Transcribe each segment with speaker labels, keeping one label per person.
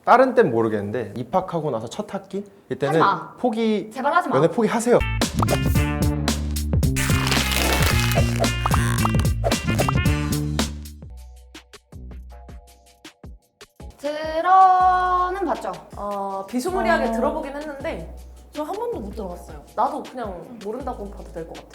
Speaker 1: 다른 땐 모르겠는데 입학하고 나서 첫 학기 이때는
Speaker 2: 하지 마.
Speaker 1: 포기
Speaker 2: 제발 하지 마.
Speaker 1: 연애 포기하세요.
Speaker 2: 들어는 봤죠.
Speaker 3: 비스무리하게 들어보긴 했는데
Speaker 4: 저 한 번도 못 들어봤어요.
Speaker 3: 나도 그냥 모른다고 봐도 될 것 같아.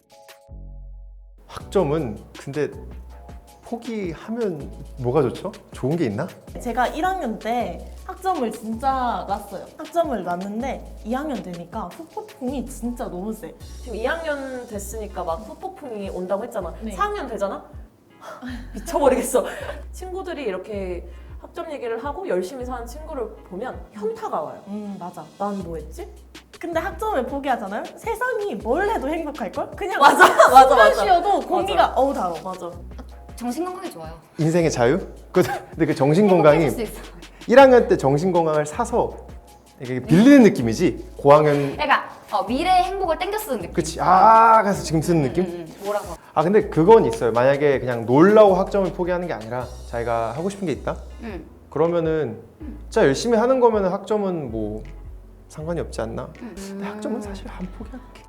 Speaker 1: 학점은 근데 포기하면 뭐가 좋죠? 좋은 게 있나?
Speaker 4: 제가 1학년 때 학점을 진짜 났어요. 학점을 났는데 2학년 되니까 후폭풍이 진짜 너무 세.
Speaker 3: 지금 2학년 됐으니까 막 후폭풍이 온다고 했잖아.
Speaker 4: 네.
Speaker 3: 4학년 되잖아? 미쳐버리겠어. 친구들이 이렇게 학점 얘기를 하고 열심히 사는 친구를 보면 현타가 와요.
Speaker 4: 맞아.
Speaker 3: 난 뭐 했지?
Speaker 4: 근데 학점을 포기하잖아요? 세상이 뭘 해도 행복할걸? 그냥
Speaker 3: 맞아.
Speaker 4: 숨만 쉬어도 공기가 어우 달어.
Speaker 3: 맞아.
Speaker 2: 정신 건강에 좋아요.
Speaker 1: 인생의 자유? 근데 그 정신 건강이
Speaker 2: 행복해질 수 있어.
Speaker 1: 1학년 때 정신 건강을 사서 이게 빌리는 느낌이지. 고학년
Speaker 2: 그러니까 미래의 행복을 땡겨 쓰는 느낌.
Speaker 1: 그치 가서 지금 쓰는 느낌?
Speaker 2: 뭐라고?
Speaker 1: 근데 그건 있어요. 만약에 그냥 놀라고 학점을 포기하는 게 아니라 자기가 하고 싶은 게 있다? 그러면은 진짜 열심히 하는 거면은 학점은 뭐 상관이 없지 않나? 근데 학점은 사실 안 포기하는 게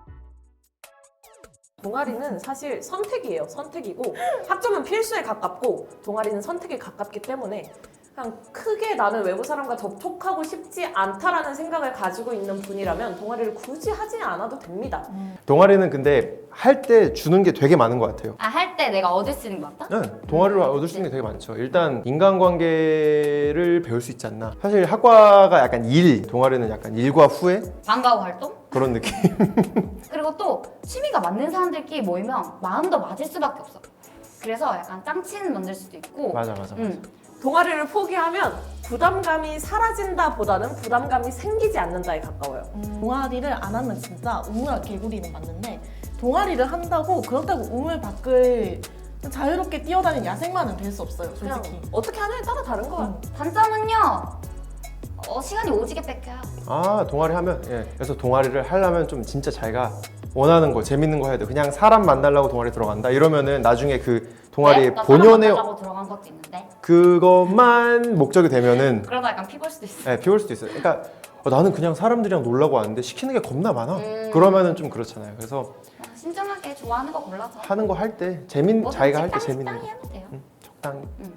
Speaker 3: 동아리는 사실 선택이에요. 선택이고 학점은 필수에 가깝고 동아리는 선택에 가깝기 때문에 그냥 크게 나는 외부 사람과 접촉하고 싶지 않다라는 생각을 가지고 있는 분이라면 동아리를 굳이 하지 않아도 됩니다.
Speaker 1: 동아리는 근데 할 때 주는 게 되게 많은 것 같아요.
Speaker 2: 할 때 내가 얻을 수 있는 게 맞다?
Speaker 1: 네, 동아리로 얻을 수 있는 게 되게 많죠. 일단 인간관계를 배울 수 있지 않나. 사실 학과가 약간 일, 동아리는 약간 일과 후에
Speaker 2: 방과후 활동?
Speaker 1: 그런 느낌.
Speaker 2: 그리고 또 취미가 맞는 사람들끼리 모이면 마음도 맞을 수밖에 없어. 그래서 약간 짱치는 만들 수도 있고.
Speaker 1: 맞아.
Speaker 3: 동아리를 포기하면 부담감이 사라진다 보다는 부담감이 생기지 않는다에 가까워요.
Speaker 4: 동아리를 안 하면 진짜 우물아 개구리는 맞는데 동아리를 한다고 그렇다고 우물 밖을 자유롭게 뛰어다니는 야생마는 될 수 없어요,
Speaker 3: 그냥
Speaker 4: 솔직히.
Speaker 3: 어떻게 하냐에 따라 다른 거야.
Speaker 2: 단점은요. 시간이 오지게 뺏겨요.
Speaker 1: 동아리 하면 그래서 동아리를 하려면 좀 진짜 자기가 원하는 거, 재밌는 거 해야 돼. 그냥 사람 만나려고 동아리 들어간다. 이러면은 나중에 그 동아리의
Speaker 2: 나
Speaker 1: 본연의
Speaker 2: 사람 만나려고 들어간 것도 있는데.
Speaker 1: 그것만 목적이 되면은
Speaker 2: 그러다 약간 피곤할 수도 있어.
Speaker 1: 비올 수도 있어요. 그러니까 나는 그냥 사람들이랑 놀라고 왔는데 시키는 게 겁나 많아. 그러면은 좀 그렇잖아요. 그래서
Speaker 2: 신중하게 좋아하는 거 골라서.
Speaker 1: 하는 거 할 때
Speaker 2: 뭐든지
Speaker 1: 자기가 할 때 재밌는
Speaker 2: 적당히
Speaker 1: 거
Speaker 2: 하면 돼요.
Speaker 1: 적당히.
Speaker 2: 응.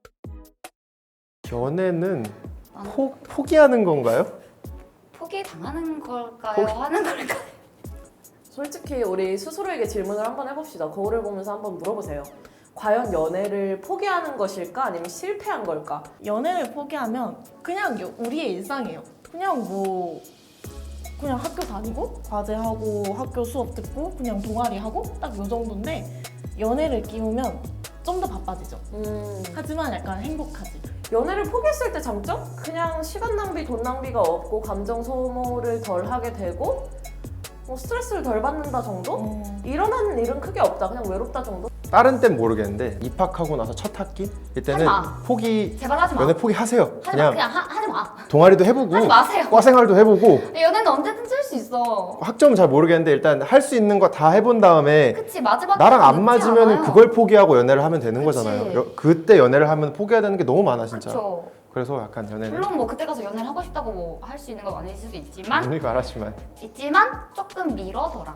Speaker 1: 연애는 포기하는 건가요?
Speaker 2: 포기 당하는 걸까요? 하는 걸까요?
Speaker 3: 솔직히 우리 스스로에게 질문을 한번 해봅시다. 거울을 보면서 한번 물어보세요. 과연 연애를 포기하는 것일까? 아니면 실패한 걸까?
Speaker 4: 연애를 포기하면 그냥 우리의 일상이에요. 그냥 학교 다니고 과제하고 학교 수업 듣고 그냥 동아리 하고 딱 요 정도인데 연애를 끼우면 좀 더 바빠지죠. 하지만 약간 행복하지.
Speaker 3: 연애를 포기했을 때 장점? 그냥 시간 낭비, 돈 낭비가 없고 감정 소모를 덜 하게 되고 스트레스를 덜 받는다 정도? 일어나는 일은 크게 없다. 그냥 외롭다 정도?
Speaker 1: 다른 땐 모르겠는데 입학하고 나서 첫 학기 이때는
Speaker 2: 하지 마.
Speaker 1: 포기
Speaker 2: 제발 하지 마.
Speaker 1: 연애 포기하세요.
Speaker 2: 하지 마. 그냥 하지 마.
Speaker 1: 동아리도 해보고
Speaker 2: 하지 마세요.
Speaker 1: 과 생활도 해보고
Speaker 2: 연애는 언제든지 할 수 있어.
Speaker 1: 학점은 잘 모르겠는데 일단 할 수 있는 거 다 해본 다음에
Speaker 2: 그치, 마지막
Speaker 1: 나랑 안 맞으면
Speaker 2: 않아요.
Speaker 1: 그걸 포기하고 연애를 하면 되는
Speaker 2: 그치.
Speaker 1: 거잖아요. 그때 연애를 하면 포기해야 되는 게 너무 많아 진짜.
Speaker 2: 그쵸.
Speaker 1: 그래서 약간 연애는
Speaker 2: 물론 뭐 그때 가서 연애를 하고 싶다고 뭐 할 수 있는 건 아닐 수도 있지만
Speaker 1: 오늘 말하지만
Speaker 2: 조금 미뤄둬라.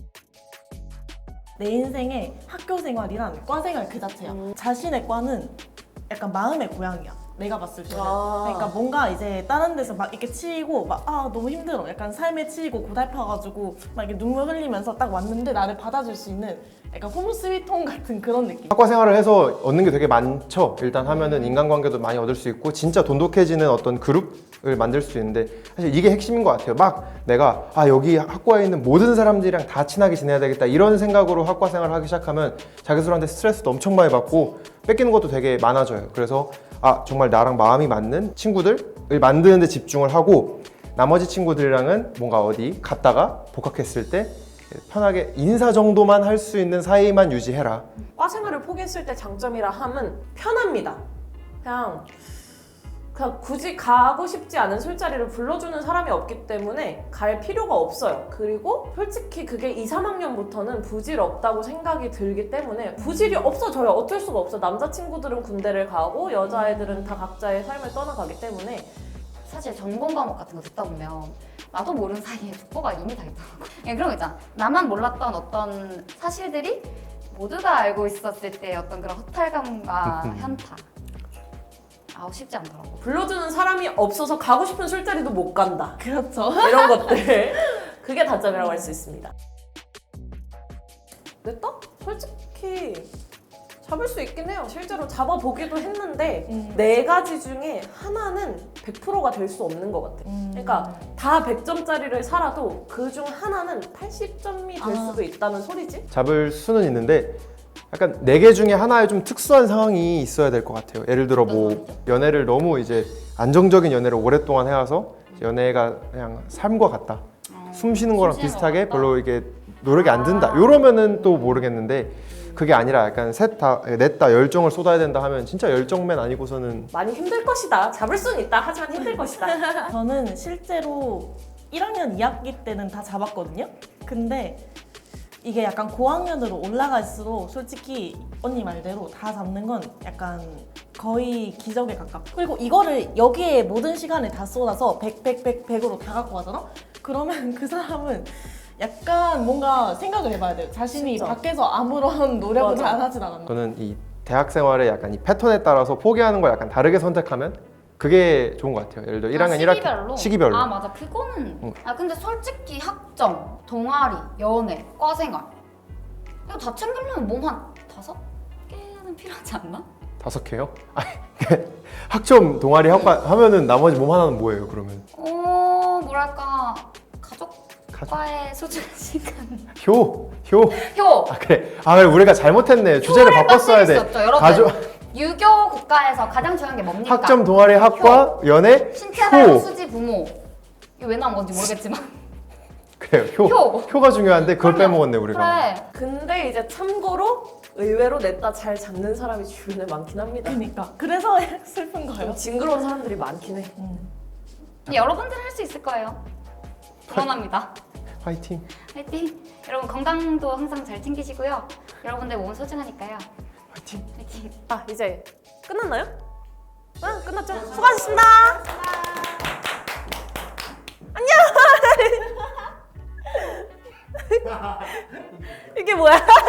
Speaker 4: 내 인생의 학교 생활이란 과 생활 그 자체야. 자신의 과는 약간 마음의 고향이야. 내가 봤을 때는. 그러니까 뭔가 이제 다른 데서 막 이렇게 치이고 막 너무 힘들어. 약간 삶에 치이고 고달파가지고 막 이렇게 눈물 흘리면서 딱 왔는데 나를 받아줄 수 있는 약간 홈 스위트홈 같은 그런 느낌.
Speaker 1: 학과 생활을 해서 얻는 게 되게 많죠. 일단 하면은 인간관계도 많이 얻을 수 있고 진짜 돈독해지는 어떤 그룹을 만들 수 있는데 사실 이게 핵심인 것 같아요. 막 내가 여기 학과에 있는 모든 사람들이랑 다 친하게 지내야 되겠다 이런 생각으로 학과 생활을 하기 시작하면 자기 스스로한테 스트레스도 엄청 많이 받고 뺏기는 것도 되게 많아져요. 그래서 정말 나랑 마음이 맞는 친구들을 만드는 데 집중을 하고 나머지 친구들이랑은 뭔가 어디 갔다가 복학했을 때 편하게 인사 정도만 할 수 있는 사이만 유지해라.
Speaker 3: 과 생활을 포기했을 때 장점이라 함은 편합니다. 그냥 그냥 굳이 가고 싶지 않은 술자리를 불러주는 사람이 없기 때문에 갈 필요가 없어요. 그리고 솔직히 그게 2, 3학년부터는 부질없다고 생각이 들기 때문에 부질이 없어져요. 어쩔 수가 없어. 남자친구들은 군대를 가고 여자애들은 다 각자의 삶을 떠나가기 때문에
Speaker 2: 사실 전공 과목 같은 거 듣다 보면 나도 모르는 사이에 독보가 이미 다 있더라고. 그런 거 있잖아. 나만 몰랐던 어떤 사실들이 모두가 알고 있었을 때 어떤 그런 허탈감과 현타. 아우 쉽지 않더라고.
Speaker 3: 불러주는 사람이 없어서 가고 싶은 술자리도 못 간다.
Speaker 4: 그렇죠.
Speaker 3: 이런 것들. 그게 단점이라고 할 수 있습니다. 냈다? 솔직히 잡을 수 있긴 해요. 실제로 잡아보기도 했는데 네 가지 중에 하나는 100%가 될 수 없는 것 같아. 그러니까 다 100점짜리를 살아도 그 중 하나는 80점이 될 수도 있다는 소리지?
Speaker 1: 잡을 수는 있는데 약간 4개 중에 하나에 좀 특수한 상황이 있어야 될 것 같아요. 예를 들어 뭐 연애를 너무 이제 안정적인 연애를 오랫동안 해와서 연애가 그냥 삶과 같다. 숨 쉬는 거랑
Speaker 2: 숨 쉬는
Speaker 1: 비슷하게
Speaker 2: 것 같다?
Speaker 1: 별로 이게 노력이 안 든다. 이러면은 또 모르겠는데 그게 아니라 약간 냈다 열정을 쏟아야 된다 하면 진짜 열정맨 아니고서는
Speaker 3: 많이 힘들 것이다. 잡을 수는 있다. 하지만 힘들 것이다.
Speaker 4: 저는 실제로 1학년 2학기 때는 다 잡았거든요. 근데 이게 약간 고학년으로 올라갈수록 솔직히 언니 말대로 다 잡는 건 약간 거의 기적에 가깝고 그리고 이거를 여기에 모든 시간을 다 쏟아서 100으로 다 갖고 가잖아? 그러면 그 사람은 약간 뭔가 생각을 해봐야 돼요. 자신이
Speaker 3: 진짜.
Speaker 4: 밖에서 아무런 노력을
Speaker 3: 맞아.
Speaker 4: 잘 하진 않았나.
Speaker 1: 저는 이 대학 생활에 약간 이 패턴에 따라서 포기하는 걸 약간 다르게 선택하면 그게 좋은 것 같아요. 예를 들어 1학년 1학기 시기별로.
Speaker 2: 아 맞아 그거는. 아 근데 솔직히 학점, 동아리, 연애, 과생활 이거 다 챙기려면 몸 한 5개는 필요하지 않나?
Speaker 1: 5개요? 아니 학점 동아리 학과 하면은 나머지 몸 하나는 뭐예요 그러면?
Speaker 2: 뭐랄까 가족과의 소중한 시간.
Speaker 1: 효.
Speaker 2: 효.
Speaker 1: 아 그래. 아 그래 우리가 잘못했네. 주제를
Speaker 2: 효를
Speaker 1: 바꿨어야
Speaker 2: 빠뜨릴
Speaker 1: 돼.
Speaker 2: 수 없죠, 여러분.
Speaker 1: 가족
Speaker 2: 유교 국가에서 가장 중요한 게 뭡니까?
Speaker 1: 학점 동아리 학과 연애
Speaker 2: 신체발
Speaker 1: 효.
Speaker 2: 수지 부모. 이거 왜 나온 건지 모르겠지만.
Speaker 1: 그래요. 효. 효가 중요한데 그걸
Speaker 2: 그럼요.
Speaker 1: 빼먹었네 우리가.
Speaker 2: 그래.
Speaker 3: 근데 이제 참고로 의외로 냈다 잘 잡는 사람이 주변에 많긴 합니다.
Speaker 4: 그러니까 그래서 슬픈 거예요.
Speaker 3: 좀 징그러운 사람들이 많긴 해.
Speaker 2: 여러분들 할 수 있을 거예요. 응원합니다.
Speaker 1: 화이팅.
Speaker 2: 화이팅! 여러분 건강도 항상 잘 챙기시고요. 여러분들 몸 소중하니까요.
Speaker 1: 화이팅.
Speaker 2: 화이팅!
Speaker 3: 아 이제 끝났나요? 응 끝났죠? 수고하셨습니다. 안녕. 이게 뭐야?